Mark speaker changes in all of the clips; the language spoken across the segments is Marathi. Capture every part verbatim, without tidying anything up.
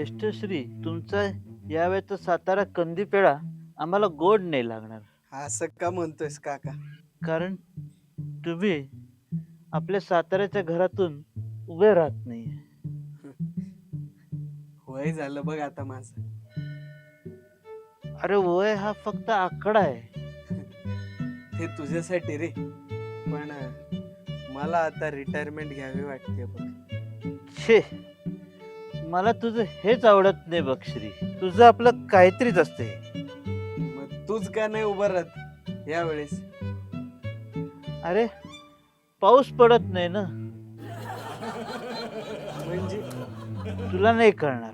Speaker 1: ज्येष्ठश्री, तुमचा यावेळेचा सातारा कंदी पेढा आम्हाला गोड नाही लागणार.
Speaker 2: असं का म्हणतोयस काका?
Speaker 1: कारण तुम्ही आपल्या साताऱ्याच्या घरातून उभे राहत नाही.
Speaker 2: वय झालं बघ आता माझं.
Speaker 1: अरे वय हा फक्त आकडा आहे.
Speaker 2: ते तुझ्यासाठी रे, पण मला आता रिटायरमेंट घ्यावी वाटते बघ.
Speaker 1: छे, मला तुझं हेच आवडत नाही बघ श्री. तुझं आपलं काहीतरीच असते.
Speaker 2: मग तूच का नाही उभं राहत यावेळेस?
Speaker 1: अरे पाऊस पडत नाही ना,
Speaker 2: म्हणजे
Speaker 1: तुला नाही कळणार.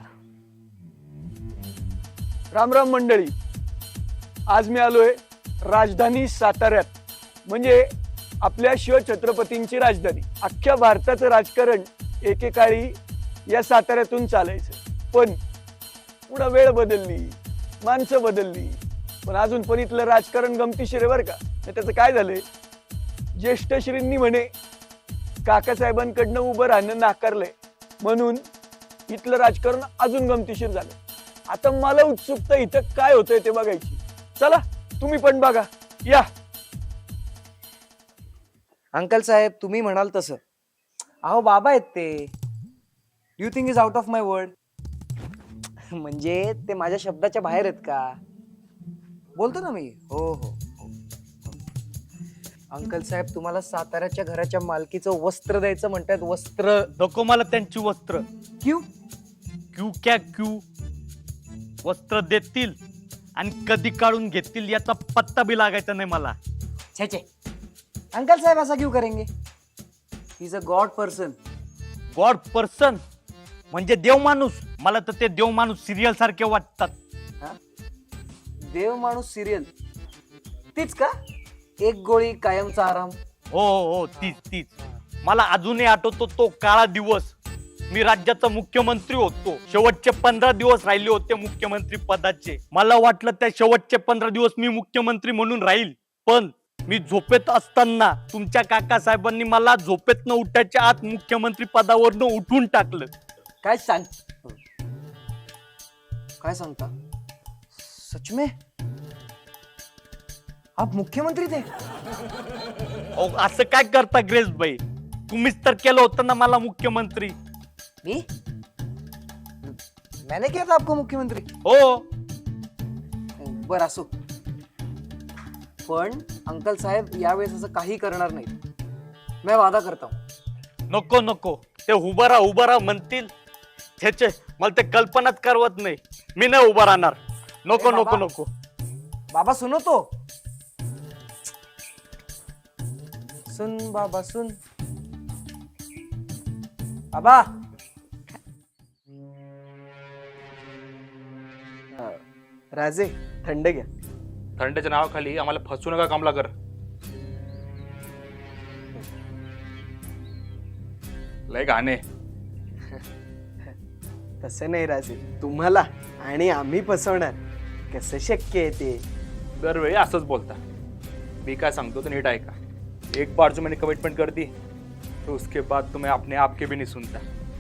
Speaker 3: राम राम मंडळी, आज मी आलोय राजधानी साताऱ्यात, म्हणजे आपल्या शिवछत्रपतींची राजधानी. अख्ख्या भारताचं राजकारण एकेकाळी या साताऱ्यातून चालायचं, पण पुढं वेळ बदलली, माणसं बदलली, पण अजून पण इथलं राजकारण गमतीशीर आहे बरं का. त्याचं काय झालंय, ज्येष्ठश्रींनी म्हणे काकासाहेबांकडनं उभं राहणं नाकारलंय, म्हणून इथलं राजकारण अजून गमतीशीर झालं. आता मला उत्सुकता इथं काय होतंय ते बघायची. चला तुम्ही पण बघा, या.
Speaker 4: अंकल साहेब, तुम्ही म्हणाल तसं. अहो बाबा आहेत ते. You think is out of my word. म्हणजे ते माझ्या शब्दाच्या बाहेर आहेत का? बोलतो ना मी. हो हो हो. अंकल साहेब, तुम्हाला साताऱ्याच्या घराच्या मालकीचं वस्त्र द्यायचं म्हणतात. वस्त्र
Speaker 5: नको मला त्यांची वस्त्र.
Speaker 4: क्यू
Speaker 5: क्यू क्या क्यू? वस्त्र देतील आणि कधी काढून घेतील याचा पत्ता बी लागायचा नाही मला.
Speaker 4: छे छे, अंकल साहेब ऐसा क्यों करेंगे? He is a god person.
Speaker 5: God person म्हणजे देव माणूस. मला तर ते देव माणूस सिरियल सारखे वाटतात.
Speaker 4: देव माणूस सिरियल तीच का? एक गोळी कायमचा आराम.
Speaker 5: हो हो हो, तीच तीच. मला अजूनही आठवतो तो काळा दिवस. मी राज्याचा मुख्यमंत्री होतो. शेवटचे पंधरा दिवस राहिले होते मुख्यमंत्री पदाचे. मला वाटलं त्या शेवटचे पंधरा दिवस मी मुख्यमंत्री म्हणून राहील, पण मी झोपेत असताना तुमच्या काका साहेबांनी मला झोपेत न उठायच्या आत मुख्यमंत्री पदावरनं उठून टाकलं.
Speaker 4: काय सांग काय सांगता? सच में आप मुख्यमंत्री थे?
Speaker 5: अहो, असं काय करता ग्रेस भाई? तुम्हीच तर केलं होतं ना मला मुख्यमंत्री.
Speaker 4: मी मैंने किया था आपको मुख्यमंत्री?
Speaker 5: हो.
Speaker 4: बर असो, पण अंकल साहेब यावेळेस असं काही करणार नाही. मैं वादा करता हूं.
Speaker 5: नको नको, ते उभा राहा उभा राहा म्हणतील. छे मला ते कल्पनाच करवत नाही. मी नाही उभा राहणार. नको
Speaker 4: अरे
Speaker 5: नको
Speaker 4: बाबा.
Speaker 5: नको.
Speaker 4: बाबा सुनो तो. सुन बाबा सुन. बाबा
Speaker 2: राजे, थंड घ्या.
Speaker 6: थंडच्या नावाखाली आम्हाला फसू नका कमलाकर. लय घाणे.
Speaker 2: तसं नाही राजे, तुम्हाला आणि आम्ही फसवणार कसं शक्य आहे ते?
Speaker 6: दरवेळी असंच बोलता. मी काय सांगतो तर नीट ऐका. एक बार जो मैंने कमिटमेंट कर दी तो उसके बाद तुम्हें अपने आप के भी नहीं सुनता.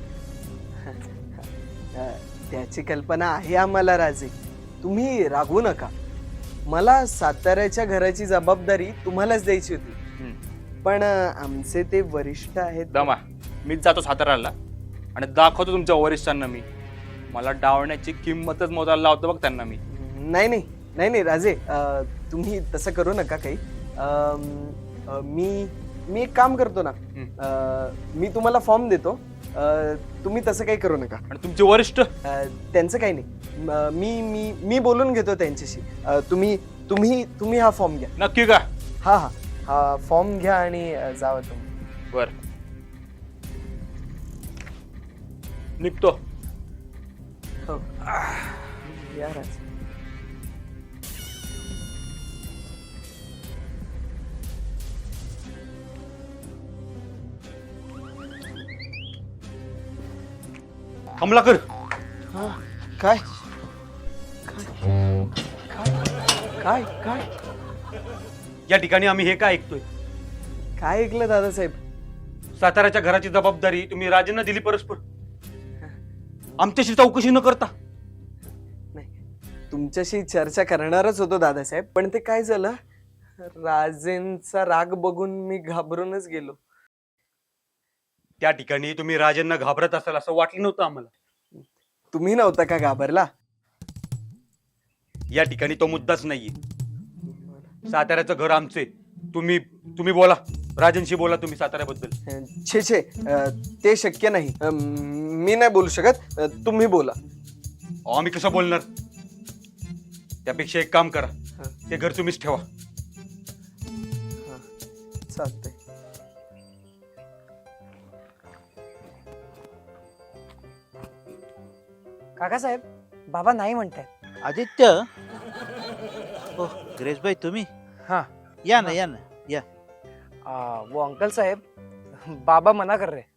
Speaker 2: अं, त्याची कल्पना आहे आम्हाला राजे, तुम्ही रागवू नका. मला साताऱ्याच्या घराची जबाबदारी तुम्हालाच द्यायची होती,
Speaker 6: हम्म.
Speaker 2: पण अं, आमचे ते वरिष्ठ आहेत.
Speaker 6: दमा, मीच जातो साताऱ्याला आणि दाखवतो तुमच्या वरिष्ठांना मी. मला डावण्याची किंमतच मोजायला लावतो बघ त्यांना मी.
Speaker 2: नाही नाही नाही नाही राजे, अं, तुम्ही तसं करू नका काही. अं, अं, मी मी एक काम करतो ना, अं, मी तुम्हाला फॉर्म देतो. अं, तुम्ही तसं काही करू नका.
Speaker 6: आणि तुमचे वरिष्ठ
Speaker 2: अं, त्यांचं काही नाही. म- मी मी मी बोलून घेतो त्यांच्याशी. अं, तुम्ही तुम्ही तुम्ही हा फॉर्म घ्या.
Speaker 6: नक्की का?
Speaker 2: हा हा हा फॉर्म घ्या आणि अं, जावा तुम्ही.
Speaker 6: बर, निघतो.
Speaker 2: हो या राजे.
Speaker 5: कमलाकर,
Speaker 2: काय काय काय
Speaker 5: या ठिकाणी आम्ही हे काय ऐकतोय?
Speaker 2: काय ऐकलं दादासाहेब?
Speaker 5: साताऱ्याच्या घराची जबाबदारी तुम्ही राजेंना दिली परस्पर. आमच्याशी चौकशी न करता?
Speaker 2: तुमच्याशी चर्चा करणारच होतो दादासाहेब, पण ते काय झालं, राजेंचा राग बघून मी घाबरूनच गेलो.
Speaker 7: त्या ठिकाणी तुम्ही राजांना घाबरत असाल असं वाटलं नव्हतं आम्हाला.
Speaker 2: तुम्ही नव्हता का घाबरला?
Speaker 7: या ठिकाणी तो मुद्दाच नाहीये. साताऱ्याचं घर आमचे. तुम्ही तुम्ही बोला, राजांशी बोला तुम्ही साताऱ्याबद्दल.
Speaker 2: छे छे अं, ते शक्य नाही. अं, मी नाही बोलू शकत. अं, तुम्ही बोला.
Speaker 7: अहो, आम्ही कसं बोलणार? त्यापेक्षा एक काम करा, ते घर तुम्हीच ठेवा.
Speaker 2: चालतंय.
Speaker 4: काकासाहेब, बाबा नाही म्हणतायत.
Speaker 1: आदित्य, ओ ग्रेसभाई तुम्ही
Speaker 4: हाँ
Speaker 1: या ना या ना या.
Speaker 4: आ, वो अंकल साहेब, बाबा मना कर रहे.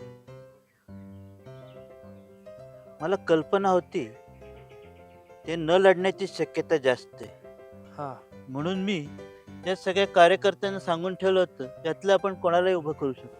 Speaker 1: मला कल्पना होती ते न लढण्याची शक्यता जास्त आहे,
Speaker 4: हा
Speaker 1: म्हणून मी या सगळ्या कार्यकर्त्यांना सांगून ठेवलं होतं त्यातलं आपण कोणालाही उभं करू शकतो.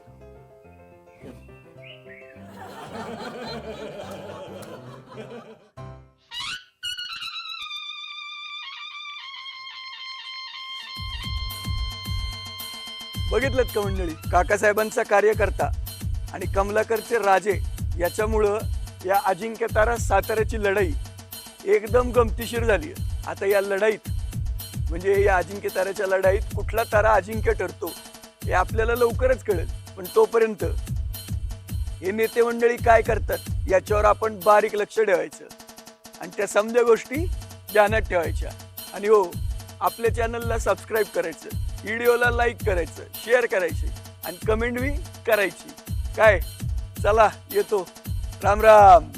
Speaker 3: बघितलं का मंडळी, काकासाहेबांचा कार्यकर्ता आणि कमलाकरचे राजे याच्यामुळं या अजिंक्य तारा साताऱ्याची लढाई एकदम गमतीशीर झाली. आता या लढाईत म्हणजे या अजिंक्य ताऱ्याच्या लढाईत कुठला तारा अजिंक्य ठरतो हे आपल्याला लवकरच कळेल. पण तोपर्यंत हे नेते मंडळी काय करतात याच्यावर आपण बारीक लक्ष ठेवायचं आणि त्या समजा गोष्टी ध्यानात ठेवायच्या. आणि हो, आपल्या चॅनलला सबस्क्राईब करायचं, व्हिडिओला लाईक करायचं, शेअर करायचे आणि कमेंट बी करायची. काय, चला येतो. राम राम.